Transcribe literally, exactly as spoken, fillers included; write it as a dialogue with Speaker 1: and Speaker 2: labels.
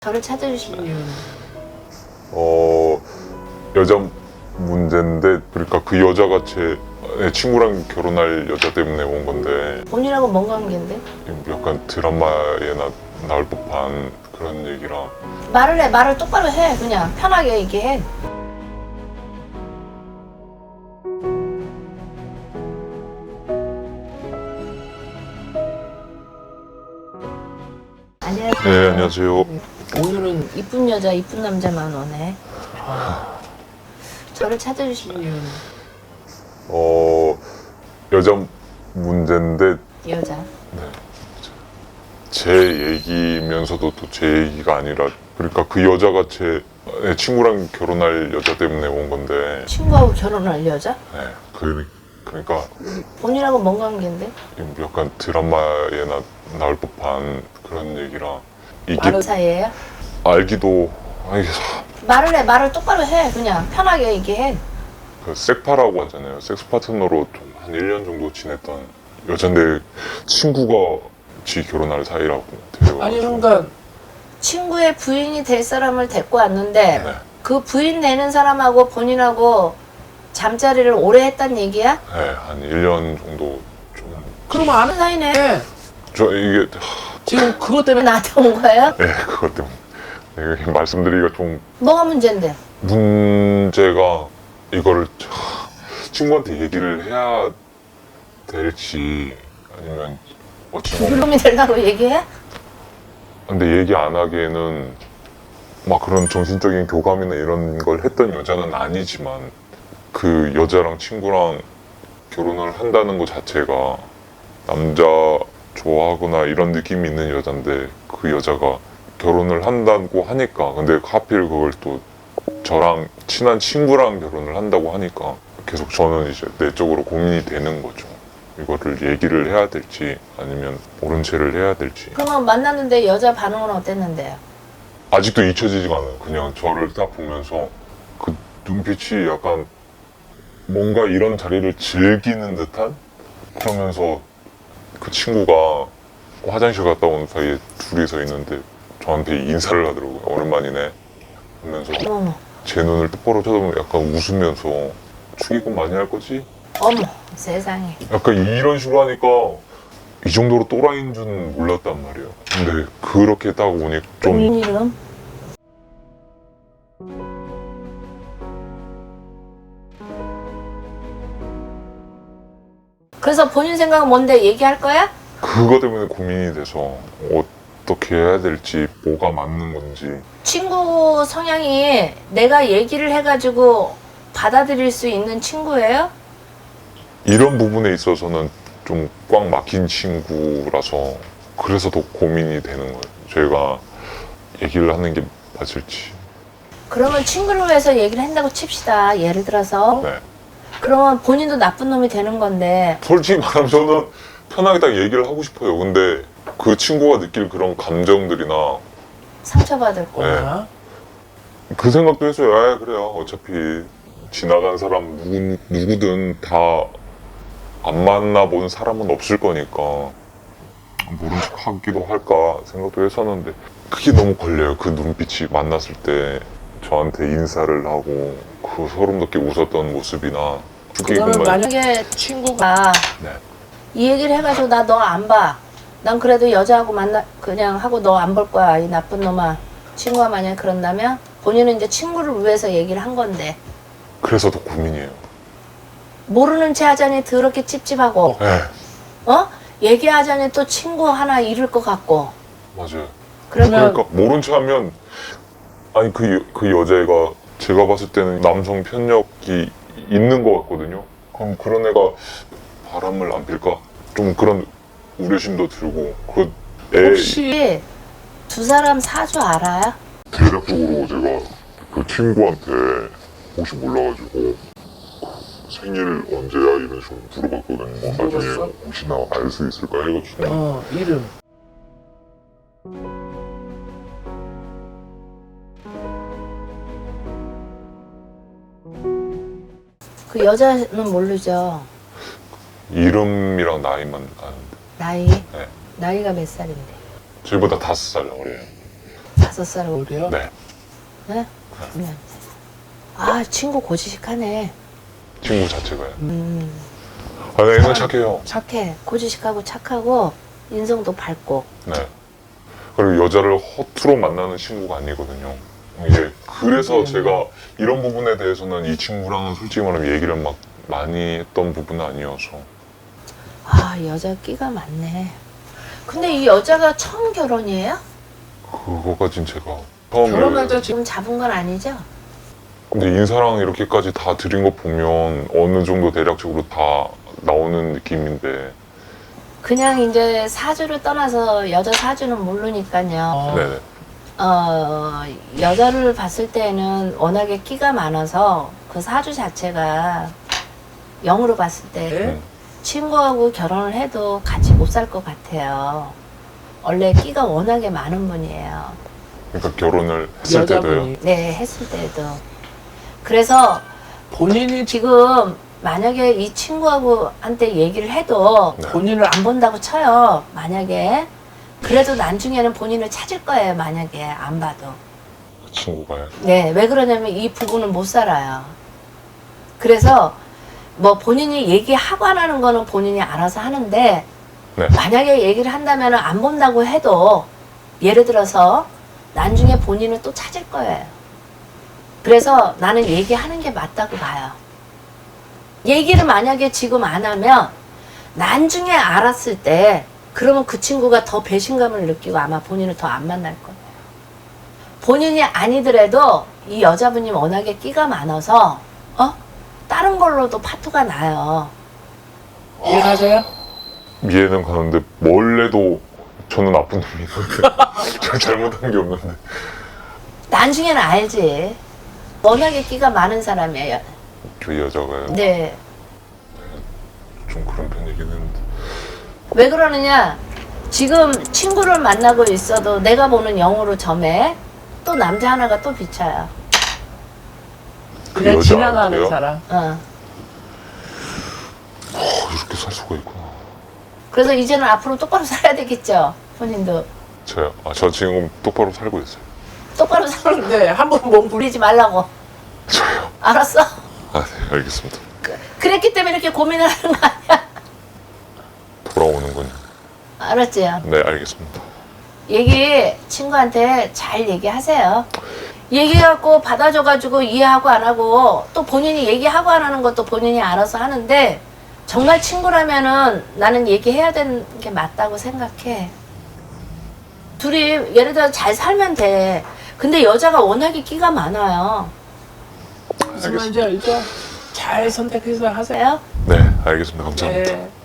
Speaker 1: 저를 찾아주신 이유는?
Speaker 2: 어 여자 문제인데, 그러니까 그 여자가 제 친구랑 결혼할 여자 때문에 온 건데,
Speaker 1: 본인하고 뭔 관계인데?
Speaker 2: 약간 드라마에 나, 나올 법한 그런 얘기라.
Speaker 1: 말을 해, 말을 똑바로 해. 그냥 편하게 얘기해. 안녕하세요.
Speaker 2: 네, 안녕하세요.
Speaker 1: 오늘은 이쁜 여자, 이쁜 남자만 오네. 저를 찾아주신 이유는?
Speaker 2: 어 여자 문제인데,
Speaker 1: 여자.
Speaker 2: 제 얘기면서도 또 제 얘기가 아니라, 그러니까 그 여자가 제 친구랑 결혼할 여자 때문에 온 건데.
Speaker 1: 친구하고 결혼할 여자?
Speaker 2: 네, 그, 그러니까
Speaker 1: 본인하고 뭔 관계인데?
Speaker 2: 약간 드라마에 나, 나올 법한 그런 얘기라. 이게
Speaker 1: 마루 사이에요?
Speaker 2: 알기도, 아니,
Speaker 1: 말을 해, 말을 똑바로 해. 그냥 편하게 얘기해.
Speaker 2: 그 섹파라고 하잖아요. 섹스 파트너로 한 일 년 정도 지냈던 여잔데, 친구가 지 결혼할 사이라고 데려와가지고.
Speaker 3: 아니 그러니까
Speaker 1: 친구의 부인이 될 사람을 데리고 왔는데
Speaker 2: 네,
Speaker 1: 그 부인 내는 사람하고 본인하고 잠자리를 오래 했단 얘기야?
Speaker 2: 네, 한 일 년 정도 좀.
Speaker 3: 그러면 아는
Speaker 1: 사이네.
Speaker 2: 저 이게,
Speaker 3: 지금 그것
Speaker 1: 왜
Speaker 3: 때문에
Speaker 1: 나한테 온 거예요?
Speaker 2: 네, 그것 때문에. 네, 이게 말씀드리기가 좀
Speaker 1: 뭐가 문제인데?
Speaker 2: 문제가, 이거를 친구한테 얘기를 해야 될지 아니면 어찌 보면,
Speaker 1: 그놈이 되려고 얘기해?
Speaker 2: 근데 얘기 안 하기에는 막 그런 정신적인 교감이나 이런 걸 했던 여자는 아니지만, 그 여자랑 친구랑 결혼을 한다는 것 자체가 남자 좋아하거나 이런 느낌이 있는 여잔데, 그 여자가 결혼을 한다고 하니까, 근데 하필 그걸 또 저랑 친한 친구랑 결혼을 한다고 하니까 계속 저는 이제 내적으로 고민이 되는 거죠. 이거를 얘기를 해야 될지 아니면 모른 채를 해야 될지.
Speaker 1: 그러면 만났는데 여자 반응은 어땠는데요?
Speaker 2: 아직도 잊혀지지가 않아요. 그냥 저를 딱 보면서 그 눈빛이 약간 뭔가 이런 자리를 즐기는 듯한? 그러면서 그 친구가 화장실 갔다 온 사이에 둘이 서 있는데 저한테 인사를 하더라고요. 오랜만이네 하면서
Speaker 1: 어머,
Speaker 2: 제 눈을 똑바로 쳐다보면 약간 웃으면서 축의금 많이 할 거지?
Speaker 1: 어머, 세상에.
Speaker 2: 약간 이런 식으로 하니까 이 정도로 또라이인 줄은 몰랐단 말이에요. 근데 그렇게 딱 오니 좀,
Speaker 1: 본인 이름? 그래서 본인 생각은 뭔데? 얘기할 거야?
Speaker 2: 그거 때문에 고민이 돼서 어떻게 해야 될지, 뭐가 맞는 건지.
Speaker 1: 친구 성향이 내가 얘기를 해가지고 받아들일 수 있는 친구예요?
Speaker 2: 이런 부분에 있어서는 좀 꽉 막힌 친구라서 그래서 더 고민이 되는 거예요. 제가 얘기를 하는 게 맞을지.
Speaker 1: 그러면 친구를 위해서 얘기를 한다고 칩시다. 예를 들어서.
Speaker 2: 네.
Speaker 1: 그러면 본인도 나쁜 놈이 되는 건데
Speaker 2: 솔직히 말하면 저는 편하게 딱 얘기를 하고 싶어요. 근데 그 친구가 느낄 그런 감정들이나
Speaker 1: 상처받을 거.
Speaker 2: 네.
Speaker 3: 뭐야?
Speaker 2: 그 생각도 했어요. 아, 그래요. 어차피 지나간 사람 누구, 누구든 다 안 만나본 사람은 없을 거니까 모른 척 하기도 할까 생각도 했었는데, 그게 너무 걸려요. 그 눈빛이 만났을 때 저한테 인사를 하고 그 소름 돋게 웃었던 모습이나.
Speaker 3: 그거는
Speaker 2: 축의금만-
Speaker 1: 만약에 친구가
Speaker 2: 네.
Speaker 1: 이 얘기를 해가지고 나 너 안 봐. 난 그래도 여자하고 만나 그냥 하고 너 안 볼 거야. 이 나쁜 놈아. 친구가 만약 그런다면 본인은 이제 친구를 위해서 얘기를 한 건데
Speaker 2: 그래서 더 고민이에요.
Speaker 1: 모르는 체 하자니 더럽게 찝찝하고
Speaker 2: 네,
Speaker 1: 어? 얘기하자니 또 친구 하나 잃을 것 같고
Speaker 2: 맞아요.
Speaker 1: 그러면
Speaker 2: 그러니까 모른 체 하면, 아니 그, 여- 그 여자애가 제가 봤을 때는 남성 편력이 있는 것 같거든요. 그럼 그런 애가 바람을 안 필까? 좀 그런 우려심도 들고. 그 애
Speaker 1: 혹시 두 사람 사주 알아요?
Speaker 2: 대략적으로 제가 그 친구한테 혹시 몰라가지고 생일 언제야 이런 식으로 물어봤거든요. 나중에
Speaker 3: 물어봤어?
Speaker 2: 혹시나 알 수 있을까 해가지고.
Speaker 3: 어 이름
Speaker 1: 그 여자는 모르죠.
Speaker 2: 이름이랑 나이만 아는데.
Speaker 1: 나이?
Speaker 2: 네.
Speaker 1: 나이가 몇 살인데?
Speaker 2: 저희보다 다섯 살 어려요.
Speaker 1: 다섯 살 어려.
Speaker 3: 그래요?
Speaker 2: 네.
Speaker 1: 네? 네. 아 친구 고지식하네.
Speaker 2: 친구 자체가요.
Speaker 1: 음.
Speaker 2: 아, 네, 애는 착해요.
Speaker 1: 착해. 고지식하고 착하고 인성도 밝고.
Speaker 2: 네. 그리고 여자를 허투루 만나는 친구가 아니거든요. 이게 그래서 제가 이런 부분에 대해서는 이 친구랑은 솔직히 말하면 얘기를 막 많이 했던 부분은 아니어서.
Speaker 1: 아 여자 끼가 많네. 근데 이 여자가 처음 결혼이에요?
Speaker 2: 그거까진 제가 처음에
Speaker 3: 결혼할 때 지금
Speaker 1: 지금 잡은 건 아니죠?
Speaker 2: 근데 인사랑 이렇게까지 다 드린 거 보면 어느 정도 대략적으로 다 나오는 느낌인데.
Speaker 1: 그냥 이제 사주를 떠나서 여자 사주는 모르니까요.
Speaker 3: 어,
Speaker 2: 네네.
Speaker 1: 어, 여자를 봤을 때는 워낙에 끼가 많아서 그 사주 자체가 영으로 봤을 때
Speaker 3: 네?
Speaker 2: 음.
Speaker 1: 친구하고 결혼을 해도 같이 못 살 것 같아요. 원래 끼가 워낙에 많은 분이에요.
Speaker 2: 그러니까 결혼을 했을 때도요.
Speaker 3: 여자분이
Speaker 1: 네, 했을 때도. 그래서
Speaker 3: 본인이
Speaker 1: 지금 만약에 이 친구하고 한테 얘기를 해도
Speaker 2: 네.
Speaker 3: 본인을 안
Speaker 1: 안 본다고 쳐요. 만약에. 그래도 나중에는 본인을 찾을 거예요. 만약에 안 봐도.
Speaker 2: 그 친구가요.
Speaker 1: 네, 왜 그러냐면 이 부부는 못 살아요. 그래서 뭐 본인이 얘기하고 안 하는 거는 본인이 알아서 하는데
Speaker 2: 네.
Speaker 1: 만약에 얘기를 한다면 안 본다고 해도 예를 들어서 나중에 본인은 또 찾을 거예요. 그래서 나는 얘기하는 게 맞다고 봐요. 얘기를 만약에 지금 안 하면 나중에 알았을 때 그러면 그 친구가 더 배신감을 느끼고 아마 본인을 더 안 만날 거예요. 본인이 아니더라도 이 여자분이 워낙에 끼가 많아서 어? 다른 걸로도 파토가 나요.
Speaker 3: 이해하세요?
Speaker 2: 이해는 가는데 뭘 해도 저는 나쁜 놈이거든요. 제가 잘못한 게 없는데.
Speaker 1: 나중에는 알지. 워낙에 끼가 많은 사람이에요.
Speaker 2: 그 여자가요.
Speaker 1: 네.
Speaker 2: 좀 그런 편이긴 했는데.
Speaker 1: 왜 그러느냐? 지금 친구를 만나고 있어도 내가 보는 영으로 점에 또 남자 하나가 또 비쳐요.
Speaker 3: 그냥
Speaker 2: 여자
Speaker 3: 지나가는
Speaker 2: 아니에요?
Speaker 3: 사람.
Speaker 1: 어.
Speaker 2: 어, 이렇게 살 수가 있구나.
Speaker 1: 그래서 이제는 앞으로 똑바로 살아야 되겠죠. 본인도
Speaker 2: 저요? 아, 저 지금 똑바로 살고 있어요.
Speaker 1: 똑바로 살고
Speaker 3: 네, 한번 몸 부리.
Speaker 1: 부리지 말라고.
Speaker 2: 저요?
Speaker 1: 알았어?
Speaker 2: 아, 네, 알겠습니다.
Speaker 1: 그, 그랬기 때문에 이렇게 고민을 하는 거 아니야?
Speaker 2: 돌아오는군요.
Speaker 1: 알았지요?
Speaker 2: 네, 알겠습니다.
Speaker 1: 얘기 친구한테 잘 얘기하세요. 얘기해갖고 받아줘가지고 이해하고 안 하고 또 본인이 얘기하고 안 하는 것도 본인이 알아서 하는데 정말 친구라면은 나는 얘기해야 되는 게 맞다고 생각해. 둘이 예를 들어 잘 살면 돼. 근데 여자가 워낙에 끼가 많아요.
Speaker 3: 무슨 말인지 알죠? 잘 선택해서 하세요.
Speaker 1: 그래요?
Speaker 2: 네, 알겠습니다. 감사합니다.
Speaker 3: 네.